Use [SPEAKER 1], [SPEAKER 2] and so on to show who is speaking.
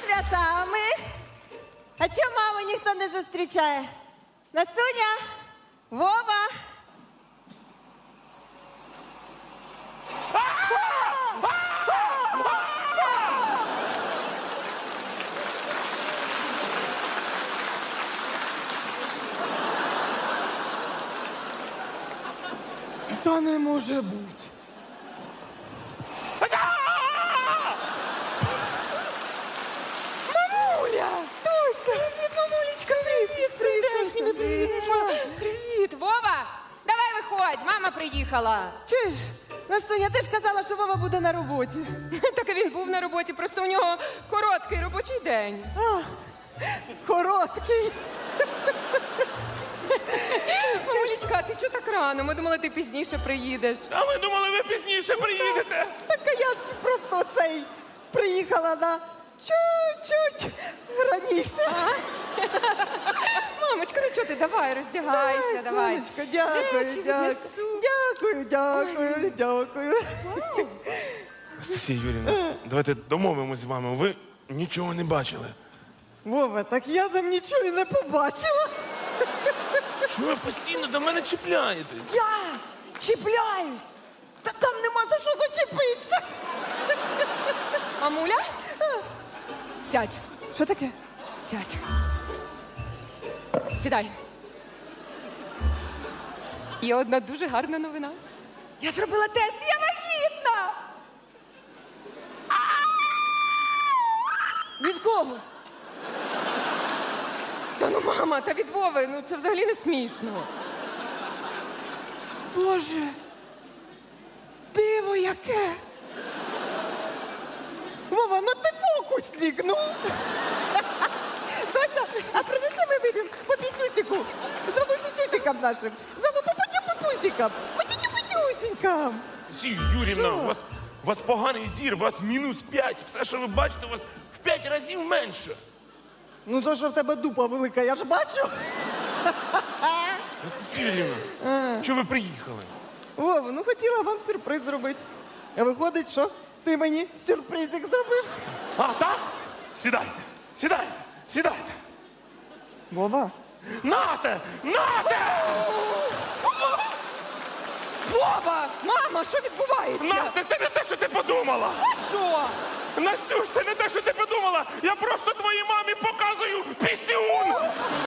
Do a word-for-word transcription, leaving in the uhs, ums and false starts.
[SPEAKER 1] святами. А чому маму ніхто не зустрічає? Настуня? Вова?
[SPEAKER 2] Та не може бути.
[SPEAKER 3] Мамуля! Привіт, мамулечка! Привіт, з прийдешніми! Привіт! Привіт! Вова! Давай виходь, мама приїхала!
[SPEAKER 1] Чуєш? Настуня, ти ж казала, що Вова буде на роботі.
[SPEAKER 3] Так і він був на роботі, просто у нього короткий робочий день.
[SPEAKER 1] А, короткий.
[SPEAKER 3] Мамулечка, а ти чого так рано? Ми думали, ти пізніше приїдеш.
[SPEAKER 2] А ми думали, ви пізніше приїдете.
[SPEAKER 1] Так а я ж просто цей приїхала на чуть-чуть раніше.
[SPEAKER 3] Мамочка, ну чого ти? Давай, роздягайся, давай.
[SPEAKER 1] Сонечко, дякую,
[SPEAKER 3] Речі
[SPEAKER 1] дякую.
[SPEAKER 3] віднесу.
[SPEAKER 1] Дякую, дякую, дякую.
[SPEAKER 2] Анастасія Юрівна, давайте домовимось з вами. Ви нічого не бачили.
[SPEAKER 1] Вова, так я там нічого і не побачила.
[SPEAKER 2] Що ви постійно до мене чіпляєтесь?
[SPEAKER 1] Я чіпляюсь. Та там нема за що зачепитися.
[SPEAKER 3] Мамуля? Сядь,
[SPEAKER 1] Що таке?
[SPEAKER 3] сядь. Сідай. Є одна дуже гарна новина. Я зробила тест, я вагітна!
[SPEAKER 1] Від кого?
[SPEAKER 3] Та ну, мама, та від Вови, ну це взагалі не смішно.
[SPEAKER 1] Боже, диво яке. Вова, ну ти фокусник, ну. Доця, а принеси ми вип'ємо по пісюсіку. За пісюсікам нашим. За папусікам. Потітю-потюсінькам.
[SPEAKER 2] Анастасія Юрівна, у вас, у вас поганий зір, у вас мінус п'ять. Все, що ви бачите, у вас в п'ять разів менше.
[SPEAKER 1] Ну то, що в тебе дупа велика, я ж бачу.
[SPEAKER 2] Анастасія Юрівна, що ви приїхали?
[SPEAKER 1] Вова, ну хотіла вам сюрприз зробити. А виходить, що ти мені сюрпризик зробив.
[SPEAKER 2] А, так? Сідайте, сідайте, сідайте.
[SPEAKER 1] Вова.
[SPEAKER 2] Нате! Нате!
[SPEAKER 3] Вова! Мама, що відбувається?
[SPEAKER 2] Настя, це не те, що ти подумала!
[SPEAKER 3] Що?
[SPEAKER 2] Настюш, це не те, що ти подумала! Я просто твоїй мамі показую пісюн!